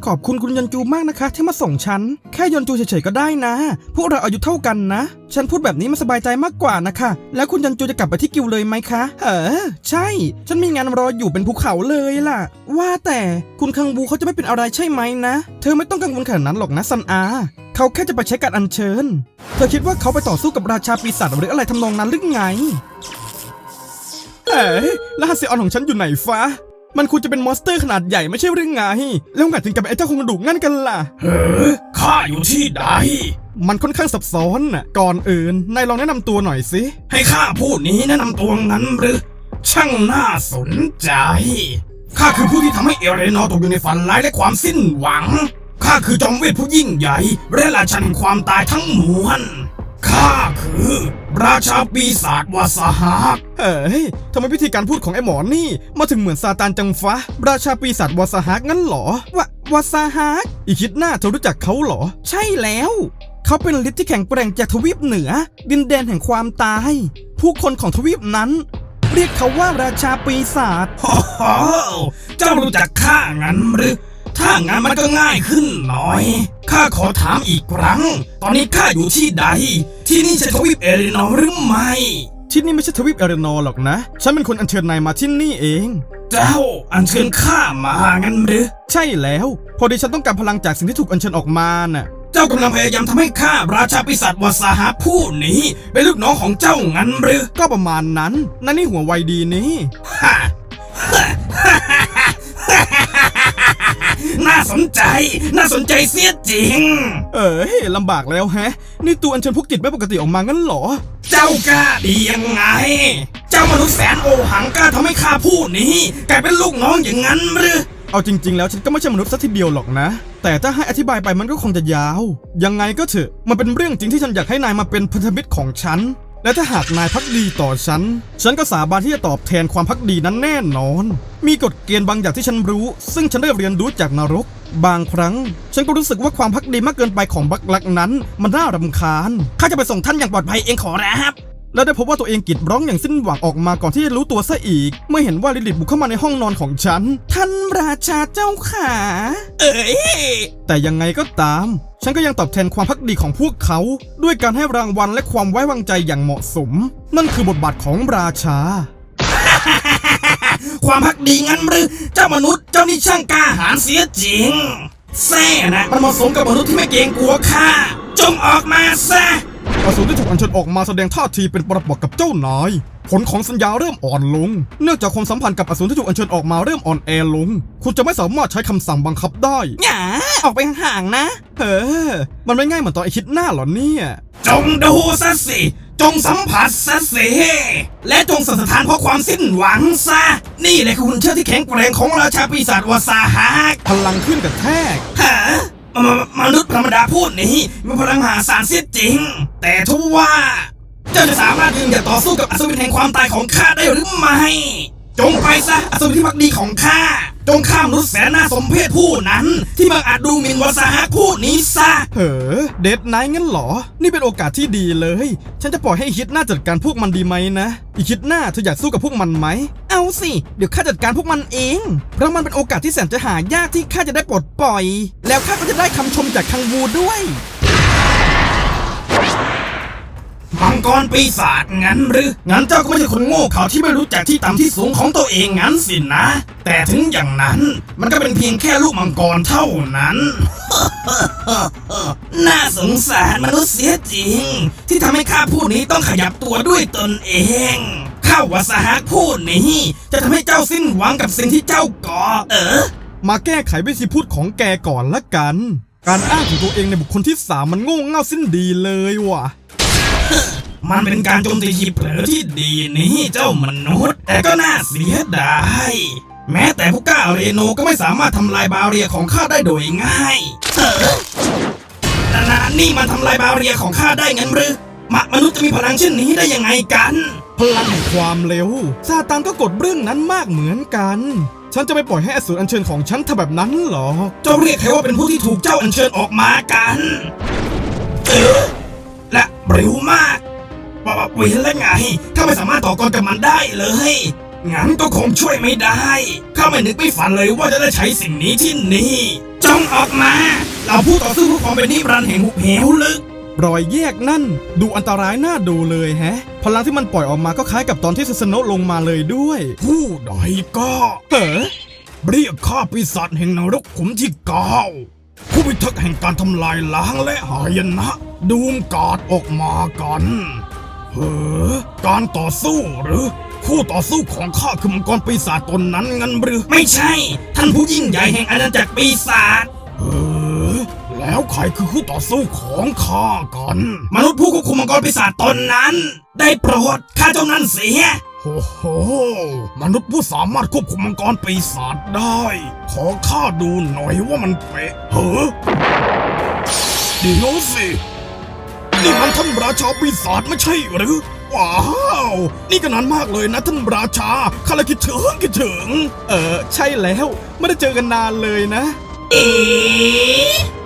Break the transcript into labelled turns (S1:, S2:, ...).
S1: อบคุณคุณยอนจูมากนะคะที่มาส่งฉันแค่ยอนจูเฉยๆก็ได้นะพวกเราอายุเท่ากันนะฉันพูดแบบนี้มันสบายใจมากกว่านะคะแล้วคุณยอนจูจะกลับไปที่กิวเลยไหมคะใช่ฉันมีงานรออยู่เป็นภูเขาเลยล่ะว่าแต่คุณคังบูเขาจะไม่เป็นอะไรใช่ไหมนะเธอไม่ต้องกังวลขนาดนั้นหรอกนะซันอาเขาแค่จะไปใช้การอัญเชิญเธอคิดว่าเขาไปต่อสู้กับราชาปีศาจหรืออะไรทำนองนั้นหรือไงรหัสเซออนของฉันอยู่ไหนฟ้ามันควรจะเป็นมอนสเตอร์ขนาดใหญ่ไม่ใช่เรื่องไงแล้วไงถึงกับไอ้เจ้าโครงกระดูกงั้นกันล่ะ
S2: ข้าอยู่ที่ใด
S1: มันค่อนข้างซับซ้อนน่ะก่อนอื่นนายลองแนะนำตัวหน่อยสิ
S2: ให้ข้าพูดนี้แนะนำตัวงั้นหรือช่างน่าสนใจข้าคือผู้ที่ทำให้เอเรนอร์ตกอยู่ในฝันร้ายและความสิ้นหวังข้าคือจอมเวทผู้ยิ่งใหญ่และราชันแห่งความตายทั้งมวลข้าคือราชาปีศาจวาสหัก
S1: ทำไมวิธีการพูดของไอ้หมอนี่มาถึงเหมือนซาตานจังฟ้าราชาปีศาจวาสหักงั้นหรอวาสหักอีคิดหน้าเธอรู้จักเขาหรอใช่แล้วเขาเป็นฤทธิ์ที่แข็งแกร่งจากทวีปเหนือดินแดนแห่งความตายผู้คนของทวีปนั้นเรียกเขาว่าราชาปีศาจ
S2: เจ้ารู้จักข้างั้นหรือถ้างั้นมันก็ง่ายขึ้นหน่อยข้าขอถามอีกครั้งตอนนี้ข้าอยู่ที่ใดที่นี่ใช่ทวีปเอเรนอร์หรือไม่
S1: ที่นี่ไม่ใช่ทวีปเอเรนอร์หรอกนะฉันเป็นคนอัญเชิญนายมาที่นี่เอง
S2: เจ้าอัญเชิญข้ามางั้นหรือ
S1: ใช่แล้วพอดีฉันต้องการพลังจากสิ่งที่ถูกอัญเชิญออกมาน่ะ
S2: เจ้ากำลังพยายามทำให้ข้าราชาปีศาจวาสหักผู้นี้เป็นลูกน้องของเจ้างั้นหรือ
S1: ก็ประมาณนั้นนั่นนี่หัวไวดีนี่
S2: น่าสนใจเสียจริง
S1: ลำบากแล้วแฮะนี่ตัวอัญเชิญพวกจิตไม่ปกติออกมางั้นหรอ
S2: เจ้ากล้าดียังไงเจ้ามนุษย์แสนโอหังกล้าทำให้ข้าผู้นี้กลายเป็นลูกน้องอย่างนั้นหรือ
S1: เอาจริงๆแล้วฉันก็ไม่ใช่มนุษย์ซะทีเดียวหรอกนะแต่ถ้าให้อธิบายไปมันก็คงจะยาวยังไงก็เถอะมันเป็นเรื่องจริงที่ฉันอยากให้นายมาเป็นพันธมิตรของฉันและถ้าหากนายภักดีต่อฉันก็สาบานที่จะตอบแทนความภักดีนั้นแน่นอนมีกฎเกณฑ์บางอย่างที่ฉันรู้ซึ่งฉันได้เรียนรู้จากนรกบางครั้งฉันก็รู้สึกว่าความภักดีมากเกินไปของบักลักนั้นมันน่ารำคาญข้าจะไปส่งท่านอย่างปลอดภัยเองขอรับแล้วได้พบว่าตัวเองกรีดร้องอย่างสิ้นหวังออกมาก่อนที่จะรู้ตัวซะอีกเมื่อเห็นว่าลิลิตบุกเข้ามาในห้องนอนของฉันท่านราชาเจ้าขาแต่ยังไงก็ตามฉันก็ยังตอบแทนความภักดีของพวกเขาด้วยการให้รางวัลและความไว้วางใจอย่างเหมาะสมนั่นคือบทบาทของราชา
S2: ความภักดีงั้นหรือเจ้ามนุษย์เจ้านี่ช่างกล้าหาญเสียจริงแซ่นะมันเหมาะสมกับมนุษย์ที่ไม่เกรงกลัวข้าจงออกมาซะ
S1: อสูรที่ถูกอัญเชิญออกมาแสดงท่าทีเป็นปรปักษ์กับเจ้านายผลของสัญญาเริ่มอ่อนลงเนื่องจากความสัมพันธ์กับอสูรที่ถูกอัญเชิญออกมาเริ่มอ่อนแอลงคุณจะไม่สามารถใช้คำสั่งบังคับได้
S2: อย่าออกไปห่างๆนะ
S1: มันไม่ง่ายเหมือนตอนไอคิดหน้าหรอเนี่ย
S2: จงดูซะสิจงสัมผัสซะสิและจงสั่นสะท้านเพราะความสิ้นหวังซะนี่แหละคือหุ่นเชิดที่แข็งแกร่งของราชาปีศาจวาสหัก
S1: พลังขึ้นกับแทก
S2: มนุษย์ธรรมดาพูดนี้มีพลังมหาศาลเสียจริงแต่ทว่าเจ้าจะสามารถยืนหยัดต่อสู้กับอัศวินแห่งความตายของข้าได้หรือไม่จงไปซะอัศวินที่มักดีของข้าจงข้ามมนุษย์แสนน่าสมเพชผู้นั้นที่มักอาจดูหมิ่นวาสหักผู้นี้ซะ
S1: เดดไนท์งั้นหรอนี่เป็นโอกาสที่ดีเลยฉันจะปล่อยให้อีคิดหน้าจัดการพวกมันดีไหมนะอีคิดหน้าเธออยากสู้กับพวกมันไหมเอาสิเดี๋ยวข้าจัดการพวกมันเองเพราะมันเป็นโอกาสที่แสนจะหายากที่ข้าจะได้ปลดปล่อยแล้วข้าก็จะได้คำชมจากคังวูด้วย
S2: มังกรปีศาจงั้นหรืองั้นเจ้าก็ไม่ใช่คนโง่เขลาที่ไม่รู้จักที่ต่ำที่สูงของตัวเองงั้นสินะแต่ถึงอย่างนั้นมันก็เป็นเพียงแค่ลูกมังกรเท่านั้น น่าสงสารมนุษย์เสียจริงที่ทำให้ข้าผู้นี้ต้องขยับตัวด้วยตนเองข้าวาสหักผู้นี้จะทำให้เจ้าสิ้นหวังกับสิ่งที่เจ้าก่อ
S1: มาแก้ไขวิธีพูดของแกก่อนละกันการอ้างถึงตัวเองในบุคคลที่3มันโง่เง่าสิ้นดีเลยว่ะ
S2: มันเป็นการโจมตีที่เผลอที่ดีนี่เจ้ามนุษย์แต่ก็น่าเสียดายแม้แต่ผู้กล้าเรโนก็ไม่สามารถทำลายบาเรียของข้าได้โดยง่ายนี่มันทำลายบาเรียของข้าได้งั้นหรือมนุษย์จะมีพลังเช่นนี้ได้ยังไงกัน
S1: พลังแห่งความเร็วซาตานก็กดเรื่องนั้นมากเหมือนกันฉันจะไม่ปล่อยให้อสูรอัญเชิญของฉันทำแบบนั้นหรอ
S2: เจ้าเรียกใครว่าเป็นผู้ที่ถูกเจ้าอัญเชิญออกมากันและเร็วมากเห็นแล้วไงถ้าไม่สามารถต่อกรกับมันได้เลยงั้นก็คงช่วยไม่ได้ข้าไม่นึกไม่ฝันเลยว่าจะได้ใช้สิ่งนี้ที่นี่จงออกมา เราผู้ต่อสู้ผู้ความเป็นนิรันดร์แห่งหุบเหวลึก
S1: รอยแยกนั่นดูอันตรายน่าดูเลยแฮะ พลังที่มันปล่อยออกมาก็คล้ายกับตอนที่ซึสโนะลงมาเลยด้วย
S2: ผู้ใดก็
S1: เฮ้อ
S2: เรียกข้าปีศาจแห่งนรกขุมที่9ผู้พิทักษ์แห่งการทำลายล้างและหายนะดูมกาดออกมากันการต่อสู้หรือคู่ต่อสู้ของข้าคือมังกรปีศาจตนนั้นงั้นหรือไม่ใช่ ท่านผู้ยิ่งใหญ่แห่งอาณาจักรปีศาจแล้วใครคือคู่ต่อสู้ของข้ากันมนุษย์ผู้ควบคุมมังกรปีศาจตนนั้น ได้โปรดฆ่าเจ้านั้นเสียโอ้โหมนุษย์ผู้สามารถควบคุมมังกรปีศาจได้ ขอข้าดูหน่อยว่ามันเป๊ะเดี๋ยวสินี่มันท่านราชาปีศาจไม่ใช่หรือว้าวนี่ก็นานมากเลยนะท่านราชาข้าเลยคิดถึง
S1: ใช่แล้วไม่ได้เจอกันนานเลยนะ
S2: เอ๊ะ